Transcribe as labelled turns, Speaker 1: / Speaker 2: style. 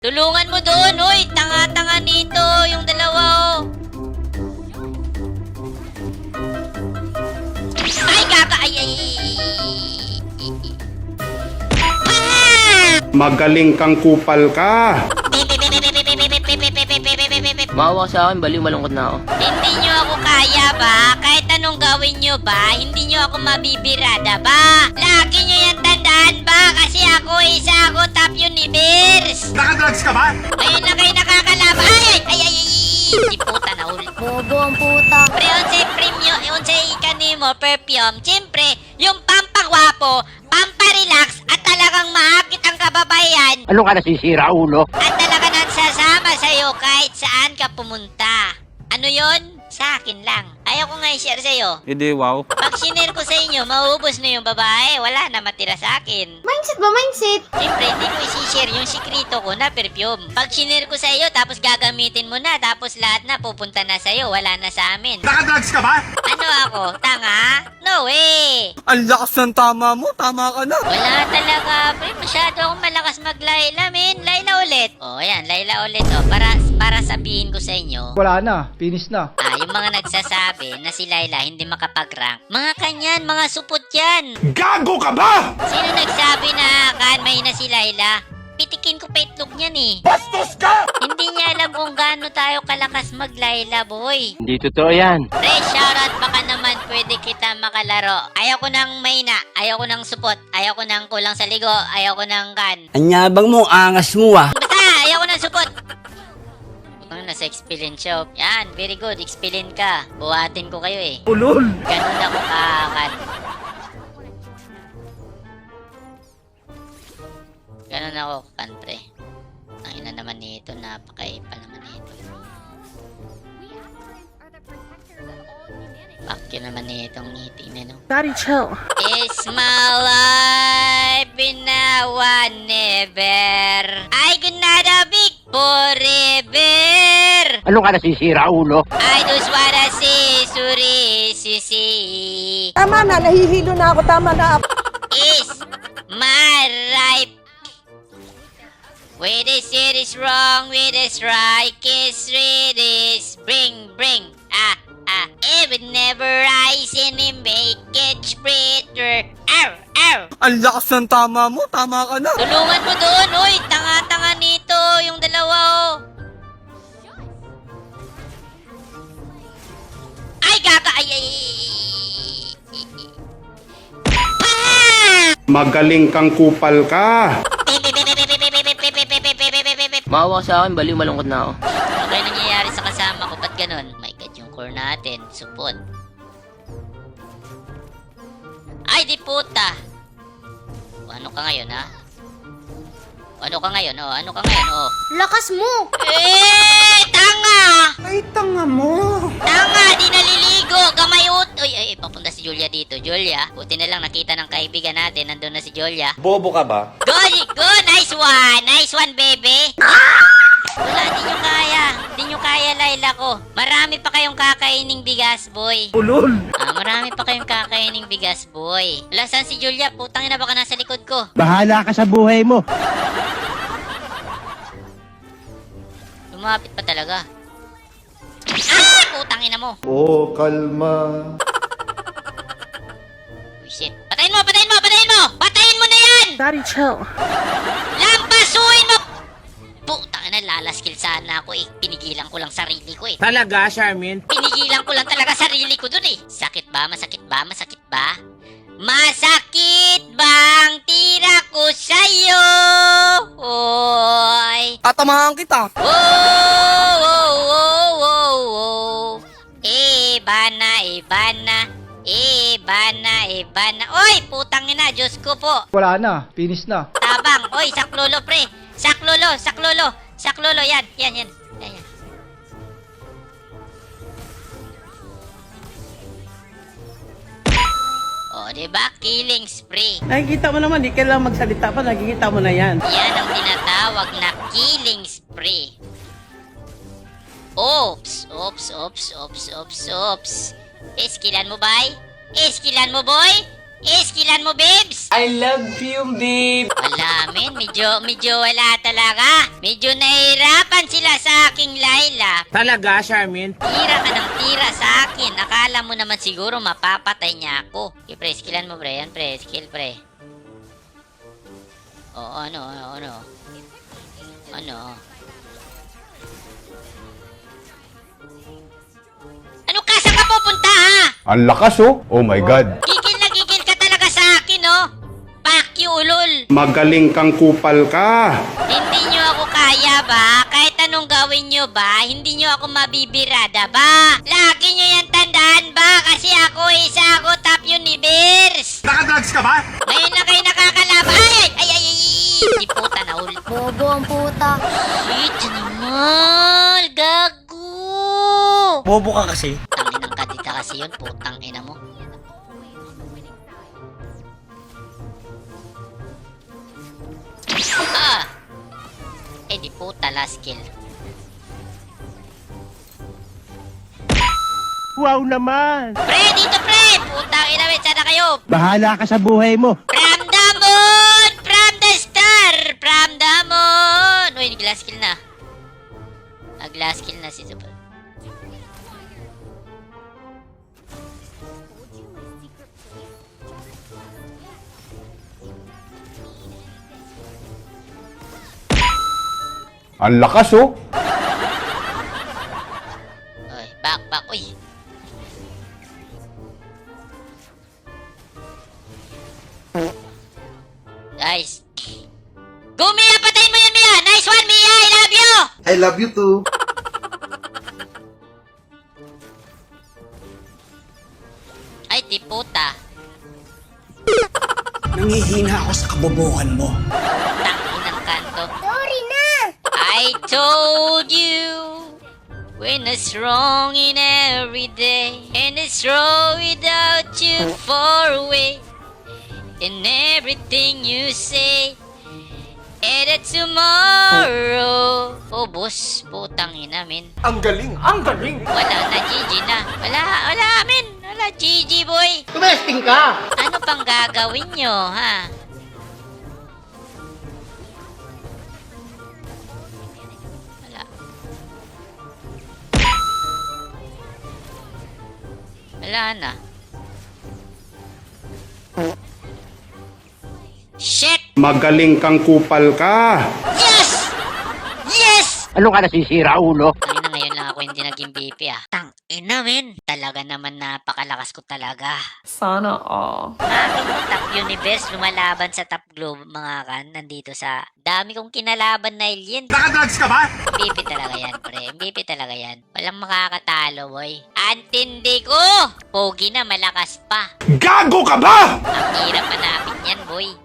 Speaker 1: Tulungan mo doon, hoy! Tanga-tanga nito, yung dalawa, oh! Ay, kaka! Ay!
Speaker 2: Magaling kang kupal ka.
Speaker 3: Maawa sa akin, baliw, malungkot na ako.
Speaker 1: Hindi nyo ako kaya ba? Kahit anong gawin nyo ba, hindi nyo ako mabibirada ba? Lagi nyo yan tandaan ba? Kasi ako top universe!
Speaker 2: Nakadrugs ka ba?
Speaker 1: Ngayon na kayo nakakalaban. Ay! Di puta na ulit.
Speaker 4: Bobo ang puta.
Speaker 1: Pre, unsay premium, unsay kanimo perfume. Siyempre, yung pampagwapo, pamparelax, at talagang maakit ang kababayan.
Speaker 3: Ano ka nasisira, ulo?
Speaker 1: At talaga nagsasama sa'yo kahit saan ka pumunta. Ano yon? Sa akin lang. Ayaw ko nga i-share sa'yo.
Speaker 5: Hindi, wow.
Speaker 1: Pag sinare ko sa inyo, mauubos na yung babae. Wala na matira sa akin.
Speaker 4: Mindset ba? Mindset?
Speaker 1: Siyempre, hindi ko isi-share yung sikrito ko na perfume. Pag sinare ko sa iyo, tapos gagamitin mo na, tapos lahat na pupunta na sa iyo, wala na sa amin.
Speaker 2: Nakadrugs ka ba?
Speaker 1: Ano ako? Tanga? No way!
Speaker 5: Ang lakas ng tama mo, tama ka na.
Speaker 1: Wala talaga, pre. Masyado akong malakas maglayla, men. Layla ulit. O, ayan, layla ulit. O, para sabihin ko sa inyo,
Speaker 6: Wala na, finish na.
Speaker 1: yung mga nagsasabi na si Layla hindi makapag-rank, mga kanyan, mga supot yan.
Speaker 2: Gago ka ba?
Speaker 1: Sino nagsabi na may na si Layla? Pitikin ko pa itlog niyan eh.
Speaker 2: Bastos ka!
Speaker 1: Hindi niya alam kung gaano tayo kalakas maglayla, boy.
Speaker 3: Hindi totoo yan.
Speaker 1: Pre, shoutout, baka naman pwede kita makalaro. Ayaw ko ng mahina, ayaw ko ng supot, ayaw ko ng kulang sa ligo, ayaw ko ng kan.
Speaker 3: Anyabang mo, angas mo ah.
Speaker 1: Basta, ayaw ko ng supot. Ano, nasa experience shop. Yan, very good, experience ka. Buhatin ko kayo eh.
Speaker 5: Ulol.
Speaker 1: Ganun ako kakan. Ganun ako kakan, pre. Ang ina naman nito, napakaipa naman nito. Pakyo naman nitong ngiti na, no?
Speaker 4: Daddy, chill.
Speaker 1: It's my life in a one never. I gonna big forever.
Speaker 3: Ano ka nasisira, ulo?
Speaker 1: I just wanna see Suri Sisi.
Speaker 7: Tama na, nahihilo na ako. Tama na.
Speaker 1: Is my right. With this it is wrong, with this right, kiss read is bring. It would never rise and it make it spreader. Ow!
Speaker 5: Ang lakas ng tama mo, tama ka na.
Speaker 1: Tulungan mo doon, hoy! Tanga-tanga nito, yung dalawa, oh! Ay, kaka! Ay!
Speaker 2: Magaling kang kupal ka.
Speaker 3: Maawa sa akin, baliw, malungkot na ako.
Speaker 1: Ano kayo nangyayari sa kasama ko? Ba't ganun? My God, yung core natin. Supot. Ay, di puta! O, ano ka ngayon, ha? O, ano ka ngayon, oh? Ano ka ngayon, oh?
Speaker 4: Lakas mo!
Speaker 1: Tanga!
Speaker 7: Ay, tanga mo.
Speaker 1: Tanga! Di naliligo! Gamayot! Uy, papunta si Julia dito. Julia, buti na lang nakita ng kaibigan natin. Nandun na si Julia.
Speaker 2: Bobo ka ba?
Speaker 1: Go! Nice one! Nice one, baby! Wala, di nyo kaya. Di nyo kaya, Layla ko. Marami pa kayong kakaining bigas, boy.
Speaker 5: Ulol.
Speaker 1: Marami pa kayong kakaining bigas, boy. Wala, saan si Julia? Putang ina, baka nasa likod ko.
Speaker 3: Bahala ka sa buhay mo.
Speaker 1: Lumapit pa talaga. Ah! Putang ina mo.
Speaker 2: Oh, kalma.
Speaker 1: Uy, shit. Patayin mo! Patayin mo na yan!
Speaker 4: Daddy, chill.
Speaker 1: Lampasuin mo! Putang ina, lalaskill sana ako eh. Pinigilan ko lang sarili ko eh.
Speaker 3: Talaga, Charmin?
Speaker 1: Pinigilan ko lang talaga sarili ko dun eh. Sakit ba? Masakit ba? Masakit bang tira ko sa'yo? Oy!
Speaker 5: Tatamahan kita.
Speaker 1: Oh. Ibana. Oy, putang ina, Diyos ko po.
Speaker 6: Wala na, finish na.
Speaker 1: Tabang. Oy, saklolo, pre. Saklolo, yan. Oh, diba? Killing spree.
Speaker 7: Nakikita mo naman, di kailangan magsalita pa. Nakikita mo na yan.
Speaker 1: Yan ang tinatawag na killing spree. Oops. Iskilan mo, boy? Iskilan mo, babes!
Speaker 3: I love you, babe.
Speaker 1: Wala, men. Medyo wala talaga. Medyo nahihirapan sila sa aking Laila.
Speaker 3: Talaga, Charmin?
Speaker 1: Tira ka ng tira sa akin. Akala mo naman siguro mapapatay niya ako. Okay, pre, skillan mo, pre. Yan, pre. Skill, pre. Oo, ano? Ano ka? Saan ka pupunta, ha?
Speaker 2: Ang lakas oh. Oh my God.
Speaker 1: Gigil na gigil ka talaga sa akin, oh. Fuck you, ulol.
Speaker 2: Magaling kang kupal ka.
Speaker 1: Hindi nyo ako kaya ba? Kahit anong gawin nyo ba, hindi nyo ako mabibirada ba? Lagi nyo yan tandaan ba? Kasi ako, isa ako top universe.
Speaker 2: Nakadrugs ka ba?
Speaker 1: Ngayon na kayo nakakalaban. Ay! Di puta na ul.
Speaker 4: Bobo ang puta.
Speaker 1: Shit, animal. Gago.
Speaker 5: Bobo ka kasi.
Speaker 1: Tanginang kadita kasi yun, putang ina mo. Ah! Eh di puta, last kill.
Speaker 3: Wow naman.
Speaker 1: Pre, dito pre! Putang ina, wait, sana kayo?
Speaker 3: Bahala ka sa buhay mo.
Speaker 1: From the moon! From the star! From the moon! Uy, nag-last kill na. Nag-last kill na si Super.
Speaker 2: Ang lakas oh.
Speaker 1: Uy, back. Uy! Guys. Go, Mia! Patayin mo yan, Mia! Nice one, Mia! I love you!
Speaker 2: I love you too.
Speaker 1: Ay, di puta.
Speaker 5: Nangihina ako sa kabobohan mo.
Speaker 1: Tangin ng kanto.
Speaker 4: Sorry na!
Speaker 1: I told you when it's wrong in every day, and it's wrong without you far away, in everything you say, and that tomorrow. Oh, boss, putang ina, men.
Speaker 5: Ang galing, ang galing.
Speaker 1: Wala na, GG na. Wala, men. Wala, GG, boy.
Speaker 3: Tumesting ka.
Speaker 1: Ano pang gagawin nyo, ha? Wala. Wala na. Shit!
Speaker 2: Magaling kang kupal ka.
Speaker 1: Yes! Yes!
Speaker 3: Ano ka nasisira, ulo?
Speaker 1: Ay na, ngayon lang ako hindi naging BP, ah. Tang ina, men. Talaga naman napakalakas ko talaga.
Speaker 8: Sana all.
Speaker 1: Bakit mo top universe lumalaban sa top globe, mga kan, nandito sa dami kong kinalaban na alien.
Speaker 2: Nakadrugs ka ba?
Speaker 1: MVP talaga yan, pre. MVP talaga yan. Walang makakatalo, boy. Antindi ko! Pogi na, malakas pa.
Speaker 2: Gago ka ba?
Speaker 1: Ang hirap hanapin yan, boy.